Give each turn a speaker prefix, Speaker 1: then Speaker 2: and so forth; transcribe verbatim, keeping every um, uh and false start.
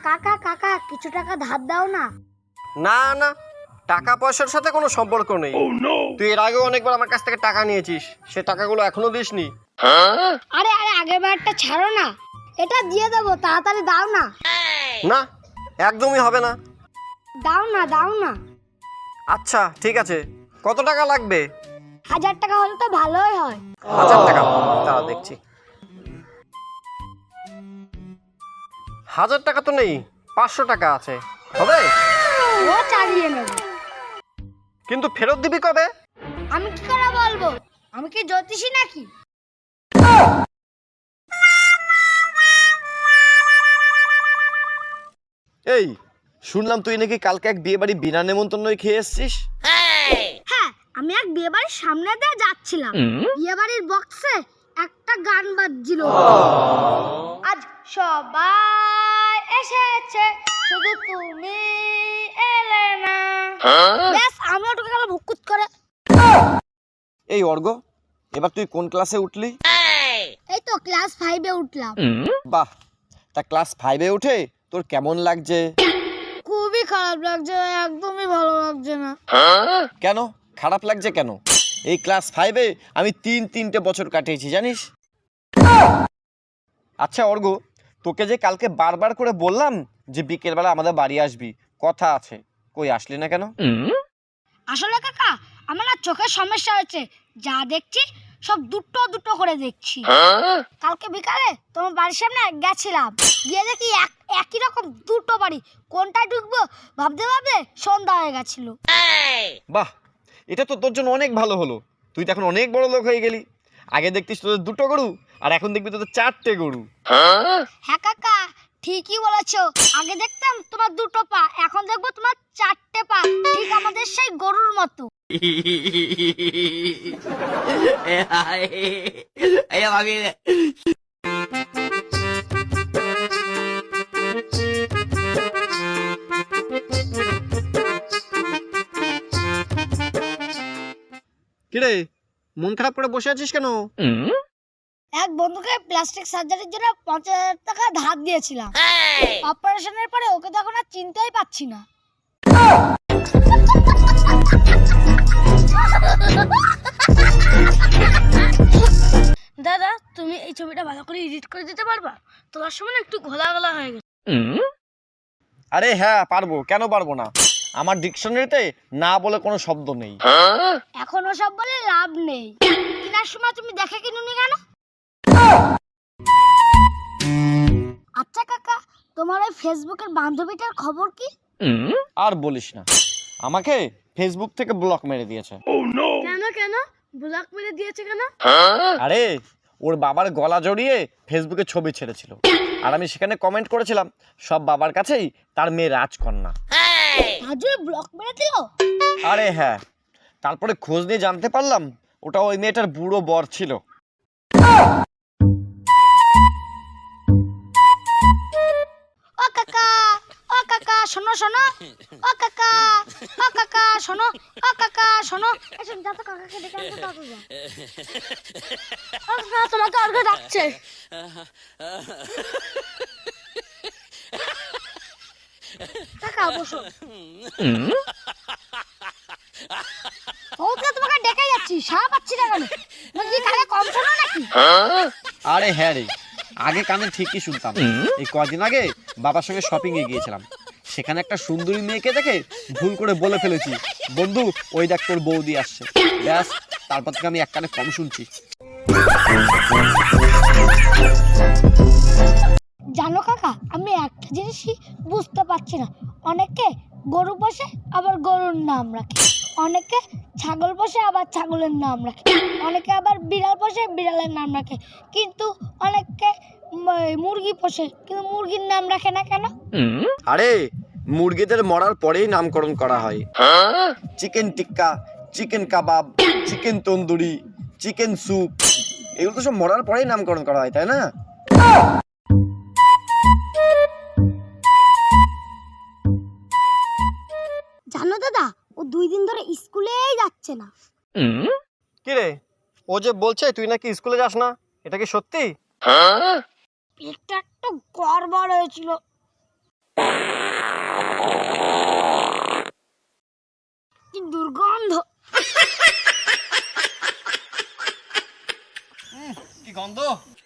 Speaker 1: কাকা কাকা কিছু টাকা ধার দাও না।
Speaker 2: না না, টাকা পয়সার সাথে কোনো সম্পর্ক নেই। তুই এর আগেও অনেকবার আমার কাছ থেকে টাকা নিয়েছিস, সে টাকাগুলো এখনো দিসনি।
Speaker 1: আরে আরে আগের বারটা ছাড়ো না, এটা দিয়ে দেবো, তাড়াতাড়ি দাও না।
Speaker 2: না, একদমই হবে না।
Speaker 1: দাও না দাও না।
Speaker 2: আচ্ছা ঠিক আছে, কত টাকা লাগবে?
Speaker 1: হাজার টাকা হলে তো ভালোই হয়।
Speaker 2: হাজার টাকা? দাঁড়া দেখছি। হাজার টাকা তো নেই, পাঁচশো টাকা আছে, হবে?
Speaker 1: ও চালিয়ে নেব।
Speaker 2: কিন্তু ফেরত দিবি কবে?
Speaker 1: আমি কি করে বলবো, আমি কি জ্যোতিষী নাকি?
Speaker 2: এই শুনলাম তুই নাকি কালকে এক বিয়ে বাড়ি বিনা নেমন্তন্নই খেয়ে এসছিস।
Speaker 1: হ্যাঁ, আমি এক বিয়ে বাড়ির সামনে দিয়ে যাচ্ছিলাম, বিয়ে বাড়ির বক্সে একটা গান বাজছিল, আজ সবাই এসেছে শুধু তুমি এলে না। ব্যাস আমি ওটুকে গেল ভুকুত করে।
Speaker 2: এই অর্ঘ, এবার তুই কোন ক্লাসে উঠলি?
Speaker 1: এই তো ক্লাস ফাইভে উঠলাম।
Speaker 2: বাহ, তা ক্লাস ফাইভে উঠে তোর কেমন লাগছে?
Speaker 1: খুবই খারাপ লাগছে, একদমই ভালো লাগছে না।
Speaker 2: কেন খারাপ লাগছে কেন? এই ক্লাস ফাইভে আমি তিন তিনটে বছর কাটিয়েছি জানিস। আচ্ছা অর্ঘ, তোকে যে কালকে বারবার করে বললাম যে বিকেলবেলা আমাদের বাড়ি আসবি, কথা আছে, কই আসলি না কেন?
Speaker 1: আসলে কাকা আমার না চোখের সমস্যা হয়েছে, যা দেখছি সব দুটো দুটো করে দেখছি। কালকে বিকালে তোমার বাড়ির সামনে গেছিলাম, গিয়ে দেখি এক একই রকম দুটো বাড়ি, কোনটা ঢুকবো ভাবতে ভাবতে সন্ধ্যা হয়ে গেছিল।
Speaker 2: বাহ, এটা তো তোর জন্য অনেক ভালো হলো, তুই তো এখন অনেক বড় লোক হয়ে গেলি। আগে দেখতিস তোদের দুটো গরু, আর এখন দেখবি তোদের চারটে গরু।
Speaker 1: হ্যাঁ কাকা ঠিকই বলেছো, আগে দেখতাম তোমার দুটো পা, এখন দেখবো তোমার চারটে পা, ঠিক আমাদের সেই গরুর মতো।
Speaker 2: কিরে মন খারাপ করে বসে আছিস কেন?
Speaker 1: এক বন্ধুকে প্লাস্টিক সার্জারির জন্য পঞ্চাশ হাজার টাকা ধার দিয়েছিলাম, অপারেশনের পরে ওকে তো এখন আর চিনতেই পাচ্ছি না। দাদা তুমি এই ছবিটা ভালো করে এডিট করে দিতে পারবা? তোমার সময় একটু ঘোলা ঘোলা হয়ে গেছে।
Speaker 2: আরে হ্যাঁ পারবো, কেন পারবো না। আমার ডিকশনারিতে না বলে কোনো শব্দ নেই।
Speaker 1: এখন ওসব বলে লাভ নেই, কেনার সময় তুমি দেখে কিনুনি কেন? আচ্ছা কাকা, তোমার ওই ফেসবুকের বান্ধবীটার খবর কি?
Speaker 2: আর বলিস না, আমাকে ফেসবুক থেকে ব্লক মেরে দিয়েছে।
Speaker 1: কেন কেন ব্লক মেরে দিয়েছে কেন?
Speaker 2: আরে ওর বাবার গলা জড়িয়ে ফেসবুকে ছবি ছেড়েছিল, আর আমি সেখানে কমেন্ট করেছিলাম সব বাবার কাছেই তার মেয়ে রাজকন্যা।
Speaker 1: আজই ব্লক মেরে দিল?
Speaker 2: আরে হ্যাঁ, তারপরে খোঁজ নিয়ে জানতে পারলাম ওটা ওই মেয়েটার বুড়ো বর ছিল।
Speaker 1: ও কাকা ও কাকা শোনো শোনো, ও কাকা ও কাকা শোনো, ও কাকা শোনো, এসব যা তো কাকাকে ডেকে আনতে তাড়াতাড়ি যাও। ও কাকা তোমাকে অর্ঘ ডাকছে। কাকা বসো। ওকে তোমাকে ডেকে যাচ্ছি, সারা পাচ্ছি না কেন? নাকি কানে কম শোনো নাকি?
Speaker 2: আরে হ্যাঁ রে, আগে কানে ঠিকই শুনতাম। এই কদিন আগে বাবার সঙ্গে শপিং এ গিয়েছিলাম, সেখানে একটা সুন্দরী মেয়েকে দেখে ভুল করে বলে ফেলেছি বন্ধু ওই দেখ তোর বৌদি আসছে। ব্যাস, তারপর থেকে আমি এক কানে কম শুনছি।
Speaker 1: জানো কাকা, আমি একটা জিনিসই বুঝতে পারছি না, অনেকে গরু পোষে আবার গরুর নাম রাখে, অনেকে ছাগল পোষে আবার ছাগলের নাম রাখে, অনেকে আবার বিড়াল পোষে বিড়ালের নাম রাখে, কিন্তু অনেকে মুরগি পোষে কিন্তু মুরগির নাম রাখে না কেন?
Speaker 2: আরে মুরগিদের মরার পরেই নামকরণ করা হয়। Chicken tikka, chicken kebab, chicken tandoori, chicken soup, এগুলো তো সব মরার পরেই নামকরণ করা হয়, তাই না?
Speaker 1: জানো দাদা, ও দুই দিন ধরে স্কুলেই যাচ্ছে না।
Speaker 2: কি রে, ও যে বলছে তুই নাকি স্কুলে যাস না, এটা কি সত্যি?
Speaker 1: পেটটা একটু গড়বড় হয়েছিল। কি দুর্গন্ধ!
Speaker 2: কি গন্ধ!